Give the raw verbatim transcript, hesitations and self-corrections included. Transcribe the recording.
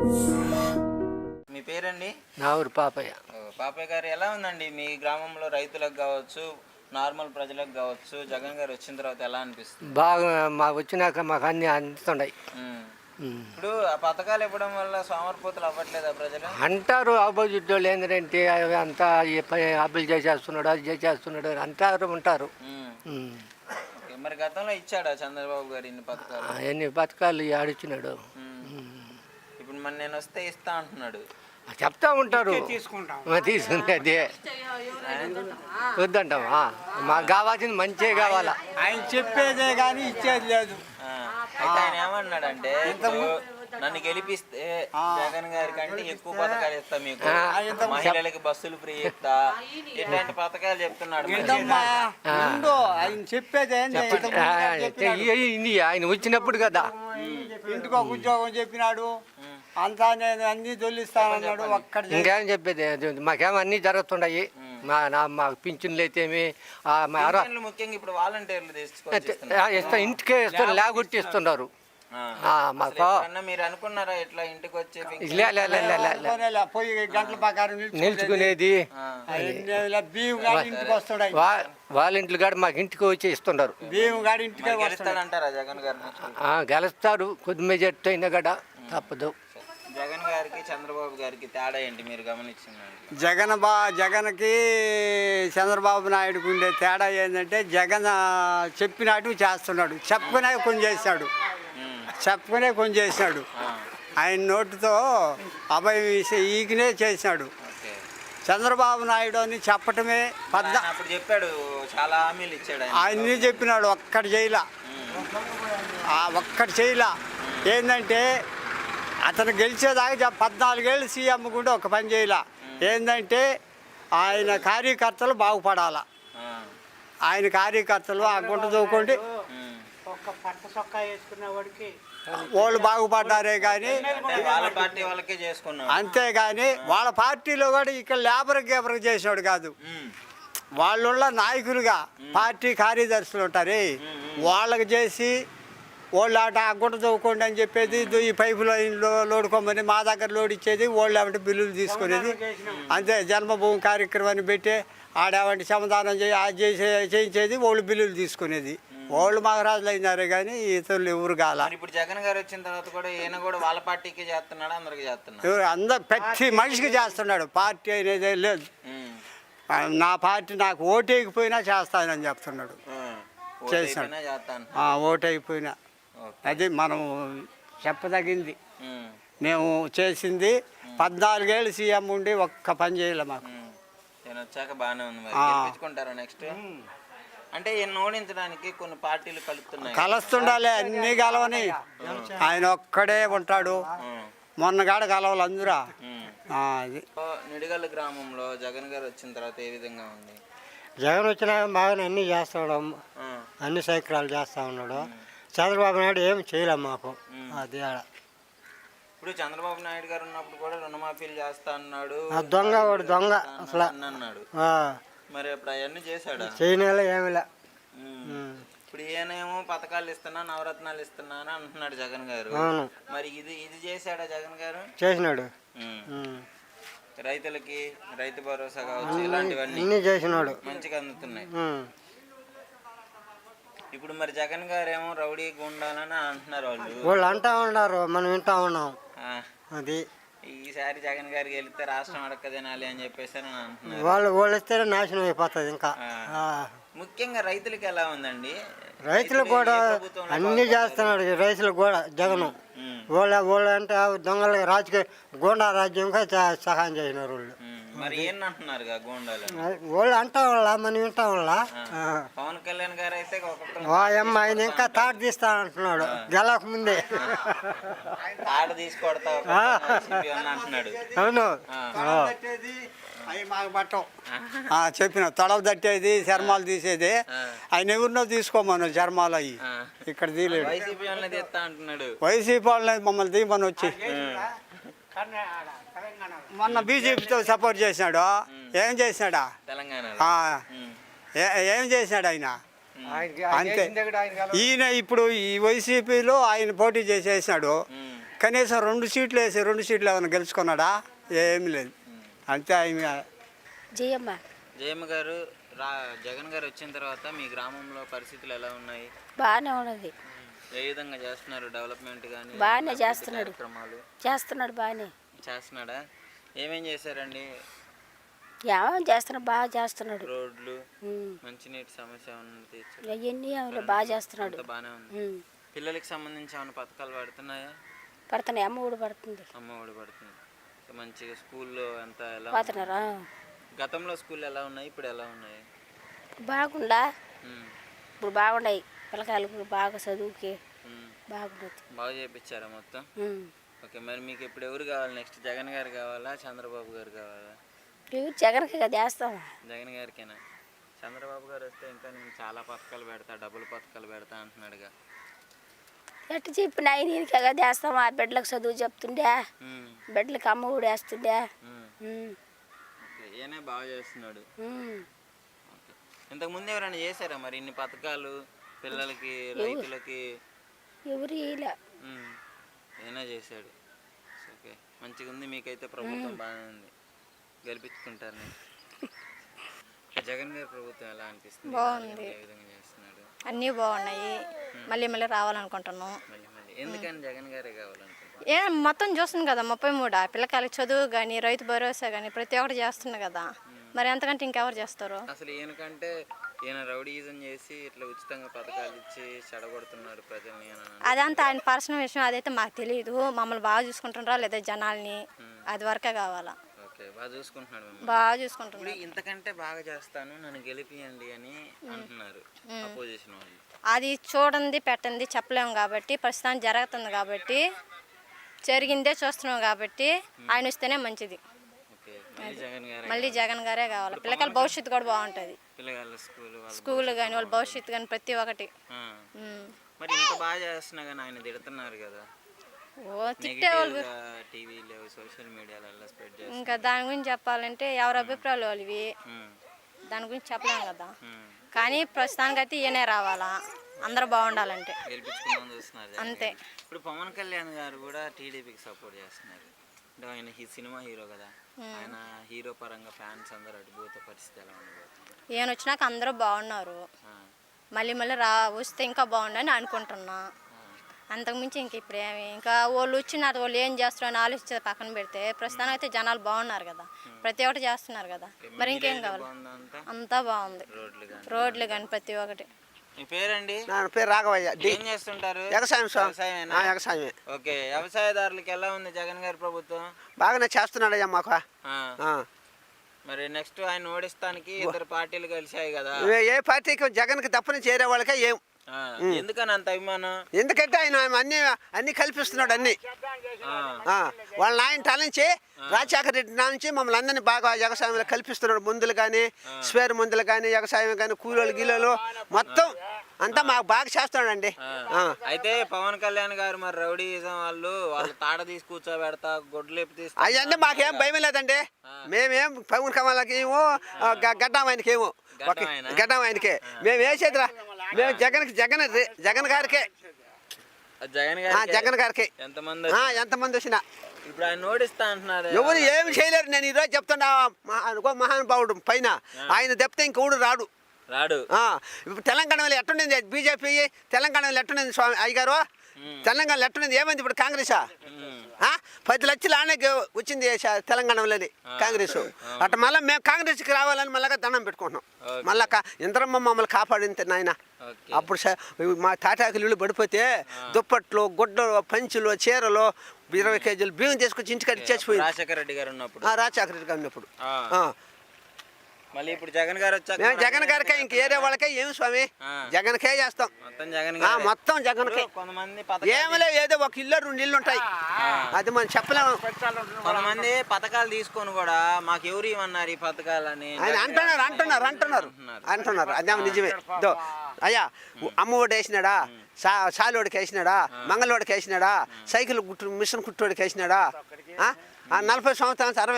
మీ పేరండి? నా ఊరు పాపయ్య. పాపయ్య గారు, ఎలా ఉందండి మీ గ్రామంలో రైతులకు కావచ్చు, నార్మల్ ప్రజలకు కావచ్చు, జగన్ గారు వచ్చిన తర్వాత ఎలా అనిపిస్తుంది? బాగా మా వచ్చినాక మాకు అన్ని అందుతున్నాయి. ఇప్పుడు ఆ పథకాలు ఇవ్వడం వల్ల సోమరిపోతులు అవ్వట్లేదా ప్రజలు? అంటారు ఆపోజిట్ వాళ్ళు ఏంటంటే అవి అంతా అప్పులు చేసేస్తున్నాడు, అది చేసేస్తున్నాడు అంటారు ఉంటారు. మరి గతంలో ఇచ్చాడా చంద్రబాబు గారు ఇన్ని పథకాలు? ఎన్ని పథకాలు ఆడిచ్చినాడు. ఇప్పుడు మరి నేను వస్తే ఇస్తా అంటున్నాడు. చెప్తా ఉంటారు, తీసుకునేది వద్దంటామా? మాకు కావాల్సింది మంచిగా కావాలా. ఆయన చెప్పేదే కానీ ఇచ్చేది లేదు. అయితే ఆయన ఏమన్నాడంటే, నన్ను గెలిపిస్తే జగన్ గారి కంటే ఎక్కువ పథకాలు ఇస్తా, మీకు మహిళలకి బస్సులు ఫ్రీ ఇస్తా, ఇట్లాంటి పథకాలు చెప్తున్నాడు. ఆయన చెప్పేది ఆయన వచ్చినప్పుడు కదా ఇంటికి ఒక ఉద్యోగం చెప్పినాడు, అంతా నేను అన్ని తొలిస్తానన్నాడు. ఒక్కడ ఇంకేం చెప్పేది, మాకేమో అన్ని జరుగుతున్నాయి. మా నా మాకు పింఛన్లు అయితేమి ముఖ్యంగా ఇప్పుడు వాలంటీర్లు ఇస్తా, ఇంటికే ఇస్తారు, లేకొట్టి ఇస్తున్నారు. మీరు అనుకున్నారా ఇట్లా ఇంటికి వచ్చి పోయి గంటల ప్రకారం నిల్చుకునేది? ఇంటికి వస్తాడు వాళ్ళ ఇంట్లో కాడ మాకు ఇంటికి వచ్చి ఇస్తున్నారు. బియ్యం గాడి ఇంటికి వస్తాడంటారా జగన్ గారు? గెలుస్తారు, కొద్ది మెజార్టీ అయినా కూడా తప్పదు. జగన్ గారికి చంద్రబాబు గారికి తేడా ఏంటి మీరు గమనించిందండి? జగన్ బా జగన్కి చంద్రబాబు నాయుడుకి ఉండే తేడా ఏంటంటే, జగన్ చెప్పినట్టు చేస్తున్నాడు, చెప్పుకునే కొన్ని చేశాడు, చెప్పుకునే కొన్ని చేశాడు. ఆయన నోటితో అభయం ఈకినే చేశాడు. చంద్రబాబు నాయుడు అని చెప్పటమే పెద్ద. అప్పుడు చెప్పాడు, చాలా హామీలు ఇచ్చాడు, ఆయన్ని చెప్పినాడు, ఒక్కటి చేయలా, ఒక్కటి చేయలా. ఏంటంటే అతను గెలిచేదాకా పద్నాలుగేళ్ళు సీఎం కూడా ఒక పని చేయాల. ఏంటంటే ఆయన కార్యకర్తలు బాగుపడాలా, ఆయన కార్యకర్తలు ఆ గుంట దూకోండి వాళ్ళు బాగుపడ్డారే కానీ, అంతేగాని వాళ్ళ పార్టీలో కూడా ఇక్కడ లేబర్ గేబర్ చేసినాడు కాదు. వాళ్ళ నాయకులుగా పార్టీ కార్యదర్శులు ఉంటారు, వాళ్ళకి చేసి వాళ్ళు ఆట ఆ గుంట చదువుకోండి అని చెప్పేది, ఈ పైపు లైన్లో లోడుకోమని మా దగ్గర లోడ్ ఇచ్చేది, వాళ్ళు ఏమంటే బిల్లులు తీసుకునేది. అంతే జన్మభూమి కార్యక్రమాన్ని పెట్టి ఆడేవంటి సమాధానం చేయి అది చేసే చేయించేది, వాళ్ళు బిల్లులు తీసుకునేది. వాళ్ళు మహారాజులు అయినారే కానీ ఇతరులు ఎవరు కాల. ఇప్పుడు జగన్ గారు వచ్చిన తర్వాత కూడా ఈయన కూడా వాళ్ళ పార్టీకి చేస్తున్నాడు, అందరికి చేస్తున్నాడు, ఎవరు అందరు ప్రతి మనిషికి చేస్తున్నాడు. పార్టీ అనేది లేదు, నా పార్టీ నాకు ఓటేకపోయినా చేస్తానని చెప్తున్నాడు. చేస్తాను ఓటైపోయినా, అది మనం చెప్పదగింది. మేము చేసింది పద్నాలుగేళ్ళు సీఎం ఉండి ఒక్క పని చేయలే మాకు. నేను వచ్చాక బాగానే ఉంది. గెలిపించుకుంటారా నెక్స్ట్? అంటే ఈయన ఓడించడానికి కొన్ని పార్టీలు కలుపుతున్నాయి, కలుస్తుండాలి, అన్ని కలవని. ఆయన ఒక్కడే ఉంటాడు, మొన్నగాడ కలవాలి అందరూ. అది నిడిగల్ గ్రామంలో జగన్ గారు వచ్చిన తర్వాత ఏ విధంగా ఉంది? జగన్ వచ్చినా బాగానే అన్ని చేస్తాడు, అన్ని సైక్రాలు చేస్తా ఉన్నాడు. చంద్రబాబు నాయుడు ఏమి చేయలే మాకు. అది ఇప్పుడు చంద్రబాబు నాయుడు గారు ఉన్నప్పుడు కూడా రుణమాఫీలు చేస్తా అన్నాడు, దొంగ వాడు దొంగ అసలు అన్నాడు. మరి ఇప్పుడు అవన్నీ చేశాడు? చేయనేలా ఏమిలే. ఇప్పుడు ఈయనేమో పథకాలు ఇస్తున్నా, నవరత్నాలు ఇస్తున్నా అని అంటున్నాడు జగన్ గారు. మరి ఇది ఇది చేశాడా జగన్ గారు? చేసినాడు. రైతులకి రైతు భరోసా కావచ్చు, ఇలాంటివన్నీ చేసినాడు, మంచిగా అందుతున్నాయి. ఇప్పుడు మరి జగన్ గారు ఏమో రౌడీ గుండాలని అంటున్నారు వాళ్ళు వాళ్ళు అంటా ఉన్నారు, మనం వింటా ఉన్నాం. అది ఈసారి జగన్ గారికి వెళ్తే రాష్ట్రం అడక్క తినాలి అని చెప్పేసి అంటున్నారు. వాళ్ళు వాళ్ళు వస్తేనే నాశనం అయిపోతుంది. ఇంకా ముఖ్యంగా రైతులకి ఎలా ఉందండి? రైతులు కూడా అన్ని చేస్తున్నాడు రైతులకు కూడా జగను. వాళ్ళ వాళ్ళు అంటే దొంగలకి రాజకీయ గోండా రాజ్యంగా సహాయం చేసినారు వాళ్ళు. మరి ఏంటంటున్నారు గోండాలు? వాళ్ళు అంటా వాళ్ళ మనం వింటా వాళ్ళ. పవన్ కళ్యాణ్ గారు అయితే అమ్మ ఆయన ఇంకా తాట తీస్తానంటున్నాడు గెలక ముందే. తాట తీసుకొడతా అంటున్నాడు. అవును, అవి మాకు పట్టం. చెప్పిన తొడవ తట్టేది, చర్మాలు తీసేది, ఆయన ఎవరినో తీసుకోమను చర్మాలు అవి ఇక్కడ తీయలేడు. వైసీపీ వాళ్ళని మమ్మల్ని తీయమని వచ్చి మొన్న బీజేపీతో సపోర్ట్ చేసినాడు. ఏం చేసినాడా? ఏం చేసినాడు ఆయన? అంతే. ఈయన ఇప్పుడు ఈ వైసీపీలో ఆయన పోటీ చేసేసినాడు, కనీసం రెండు సీట్లు వేసి రెండు సీట్లు ఏమైనా గెలుచుకున్నాడా? ఏమి లేదు. అంతే ఆయన. జయమ్మ జయమ్మ గారు రా జగన్ గారు వచ్చిన తర్వాత మీ గ్రామంలో పరిస్థితులు ఎలా ఉన్నాయి? బాగానే ఉన్నది. ఏ విధంగా చేస్తున్నారు డెవలప్మెంట్ కానీ? బాగానే చేస్తున్నాడు కార్యక్రమాలు చేస్తున్నాడు బాగానే చేస్తున్నాడా? ఏమేం చేశారండి? ఏమేమి చేస్తున్నాడు, బాగా చేస్తున్నాడు. రోడ్లు, ఉమ్. మంచినీటి సమస్య ఏమన్నా తీర్చాడు? అవన్నీ ఏమైనా బాగా చేస్తున్నాడు. అంతా బాగానే ఉంది. ఉమ్. పిల్లలకి సంబంధించి ఏమైనా పథకాలు పడుతున్నాయా? పడుతున్నాయి, అమ్మ ఊడు పడుతుంది. అమ్మ ఒడి పడుతుంది. సో మంచిగా స్కూల్లో అంతా ఎలా ఉంది? పోతున్నారా? గతంలో స్కూల్ ఎలా ఉన్నాయి, ఇప్పుడు ఎలా ఉన్నాయి? బాగుండా ఉమ్, ఇప్పుడు బాగున్నాయి. పిల్లకాయలకు బాగా చదువుకి ఉమ్. బాగుండదు. బాగా చేయించారా మొత్తం? ఉమ్. ఓకే, మరి మీకు ఇప్పుడు ఎవరు కావాలి? నెక్స్ట్ జగన్ గారు కావాలా, చంద్రబాబు గారు కావాలా? ఎవరు జగన్కి కదా వేస్తాం. జగన్ గారికేనా? చంద్రబాబు గారు వస్తే ఇంకా నేను చాలా పథకాలు పెడతా, డబ్బులు పథకాలు పెడతా అంటున్నాడుగా. ఎట్టు చెప్పిన ఆయన ఈయనకి కదా వేస్తాం. ఆ బిడ్డలకు చదువు చెప్తుండే, ఉమ్, బిడ్డలకు అమ్మ ఊడు వేస్తుండే. ఉమ్. ఉమ్. ఓకే, ఈయనే బాగా చేస్తున్నాడు. ఉమ్. ఓకే, ఇంతకుముందు ఎవరైనా చేశారా మరి ఇన్ని పథకాలు పిల్లలకి, రైతులకి? ఎవరు ఇలా ఉమ్, ఈయనే చేశాడు. ఓకే, మంచిగా ఉంది. మీకైతే ప్రభుత్వం బాగానే ఉంది, గెలిపించుకుంటారు నేను. జగన్ గారి ప్రభుత్వం ఎలా అనిపిస్తుంది? బాగుంది. ఏ విధంగా చేస్తున్నాడు? అన్నీ బాగున్నాయి. మళ్ళీ మళ్ళీ రావాలనుకుంటున్నాం. మళ్ళీ మళ్ళీ ఎందుకని జగన్ గారే కావాలనుకుంటున్నాను? ఏ మొత్తం చూస్తుంది కదా, ముప్పై మూడా పిల్లకాయలకి చదువు కానీ, రైతు భరోసా కానీ ప్రతి ఒక్కటి చేస్తుంది కదా. మరి ఎంతకంటే ఇంకెవరు చేస్తారు? అసలు ఈయనకంటే ఈయన రౌడీజం చేసి ఇట్లా ఉచితంగా పథకాలు ఇచ్చి చెడగొడుతున్నాడు ప్రజల్ని అని అన్నాడు. అదంతా ఆయన పర్సనల్ విషయం, అదైతే మాకు తెలియదు. మమ్మల్ని బాగా చూసుకుంటున్నారా లేదా జనాల్ని, అది వరకే కావాలా. ఓకే, బాగా చూసుకుంటున్నాడు మిమ్మల్ని. బాగా చూసుకుంటున్నారు. ఇప్పుడు ఇంతకంటే బాగా చేస్తాను, నన్ను గెలిపియండి అని అంటున్నారు అపోజిషన్ వాళ్ళు. అది చూడండి పెట్టండి చెప్పలేము కాబట్టి, ప్రస్తుతానికి జరుగుతుంది కాబట్టి, జరిగిందే చూస్తున్నాం కాబట్టి ఆయన వస్తేనే మంచిది. ఓకే, మళ్ళీ జగన్ గారే మళ్ళీ జగన్ గారే కావాలి. పిల్లకాయల భవిష్యత్తు కూడా బాగుంటుంది. పిల్లగాళ్ళ స్కూల్ వాళ్ళ స్కూల్ కానీ వాళ్ళ భవిష్యత్తు కానీ ప్రతి ఒక్కటి. ఆ. ఉమ్. మరి ఇంత బాగా చేస్తున్నా కానీ ఆయన తిడుతున్నారు కదా. ఓ తిట్టేవాళ్ళు. టీవీలో సోషల్ మీడియాలో స్ప్రెడ్ చేస్తారు. ఇంకా దాని గురించి చెప్పాలంటే ఎవరి అభిప్రాయాలు వాళ్ళవి, ఉమ్, దాని గురించి చెప్పలేము కదా. ఉమ్. కానీ ప్రస్తుతానికైతే ఈయనే రావాలా, అందరూ బాగుండాలంటే. గెలిపించుకుందామని చూస్తున్నారు జగన్ అంతే. గారు. ఇప్పుడు పవన్ కళ్యాణ్ గారు కూడా టీడీపీకి సపోర్ట్ చేస్తున్నారు. అంటే ఆయన ఈ సినిమా హీరో కదా, ఆయన హీరో పరంగా ఫ్యాన్స్ అందరూ అడిపోతే పరిస్థితి ఎలా ఉండబోతుంది? ఈయన వచ్చినాక అందరూ బాగున్నారు. ఆ, మళ్ళీ మళ్ళీ రా వస్తే ఇంకా బాగుండని అనుకుంటున్నా. అంతకుమించి ఇంక ఇప్పుడు ఏమి, ఇంకా వాళ్ళు వచ్చినారు, వాళ్ళు ఏం చేస్తారని ఆలోచించే పక్కన పెడితే ప్రస్తుతానికి అయితే జనాలు బాగున్నారు కదా, ప్రతి ఒక్కటి చేస్తున్నారు కదా. మరి ఇంకేం కావాలి? బాగుందా అంతా? అంతా బాగుంది. రోడ్లు కానీ. రోడ్లు కానీ ప్రతి ఒక్కటి. మీ పేరండి? నా పేరు రాఘవయ్య. ఏం చేస్తుంటారు? వ్యవసాయం సార్. వ్యవసాయమేనా? ఆ, వ్యవసాయమే. ఓకే, వ్యవసాయదారులకి ఎలా ఉంది జగన్ గారి ప్రభుత్వం? బాగానే చేస్తున్నాడయ్యా మాకు. ఆ, ఆ. మరి నెక్స్ట్ ఆయన ఓడిస్తానికి ఇద్దరు పార్టీలు కలిసాయి కదా. ఏ- ఏ పార్టీకి జగన్కి తప్పని చేరే వాళ్ళకే ఏం. ఆ, ఎందుకని అంత అభిమానం? ఎందుకంటే ఆయన అన్ని అన్ని కల్పిస్తున్నాడు అన్ని. ఆ, ఆ, వాళ్ళ నాయన టాలించి రాజశేఖర రెడ్డి నుంచి మమ్మల్ని అందరినీ బాగా వ్యవసాయంలో కల్పిస్తున్నాడు. మందులు కానీ, స్పేర్ మందులు కానీ, వ్యవసాయం కానీ, కూలీలు గీలోలు మొత్తం అంతా మాకు బాగా చేస్తున్నాడండి. ఆ. అయితే పవన్ కళ్యాణ్ గారు మరి రౌడీజం వాళ్ళు వాళ్ళు తాడ తీసి కూర్చోబెడతా, గొడ్లేపు తీసి అవన్నీ మాకేం భయం లేదండి. మేమేం పవన్ కమలకి ఏమో గడ్డం ఆయనకి ఏమో గడ్డం ఆయనకే మేము వేసేదిరా. మేము జగన్ జగన్ జగన్ గారికే జగన్ ఆ, గారు జగన్ గారికి ఎంతమంది ఆ, ఎంతమంది వచ్చినా ఇప్పుడు ఆయన ఓడిస్తా అంటున్నారు. ఎవరు ఏమి చేయలేరు. నేను ఈరోజు చెప్తున్నా, మహా- అనుకో మహానుభావుడు పైన ఆయన తప్పితే ఇంకొకడు రాడు. రాడు. ఆ, ఇప్పుడు తెలంగాణలో ఎట్టుండింది బీజేపీ, తెలంగాణలో ఎట్టుండింది స్వామి అయ్యగారు, తెలంగాణలో ఎట్టుండింది ఏమైంది ఇప్పుడు కాంగ్రెసా? ఆ, పది లక్షలు ఆనే వచ్చింది శ- తెలంగాణలోని కాంగ్రెస్. అట్లా మళ్ళీ మేము కాంగ్రెస్కి రావాలని మళ్ళీ దండం పెట్టుకుంటున్నాం. మళ్ళా కా ఇంద్రమ్మ మమ్మల్ని కాపాడింది నాయన. ఓకే. అప్పుడు స- మా తాటాకులు ఇల్లు పడిపోతే దుప్పట్లు, గుడ్డలు, పంచులు, చీరలు, ఇరవై కేజీలు బియ్యం తీసుకొచ్చి ఇంటికి చేసిపోయింది రాజశేఖర రెడ్డి గారు ఉన్నప్పుడు. రాజశేఖర రెడ్డి గారు ఉన్నప్పుడు. ఆ. ఆ. మళ్ళీ ఇప్పుడు జగన్ గారు వచ్చాక మేము జగన్ గారికే ఇంక ఏరే వాళ్ళకే ఏమి స్వామి ఆ. జగన్కే చేస్తాం. మొత్తం జగన్ ఆ, గారే. మొత్తం జగన్కే. కొంతమంది పథకాలు ఏమలే ఏదో ఒక ఇల్లు రెండు ఇల్లు ఉంటాయి, అది మనం చెప్పలేము. కొంతమంది పథకాలు తీసుకొని కూడా మాకు ఎవరు ఇవ్వన్నారు ఈ పథకాలని ఆయన అంటున్నారు అంటున్నారు అంటున్నారు అంటున్నారు అదేమో నిజమే. దో అయ్యా అమ్మఒడి వేసినాడా, సా సాలోడికి వేసినాడా, మంగళోడికి వేసినాడా, సైకిల్ కుట్టు మిషన్ కుట్టోడికి వేసినాడా, ఆ? ఆ నలభై సంవత్సరాలు అరవై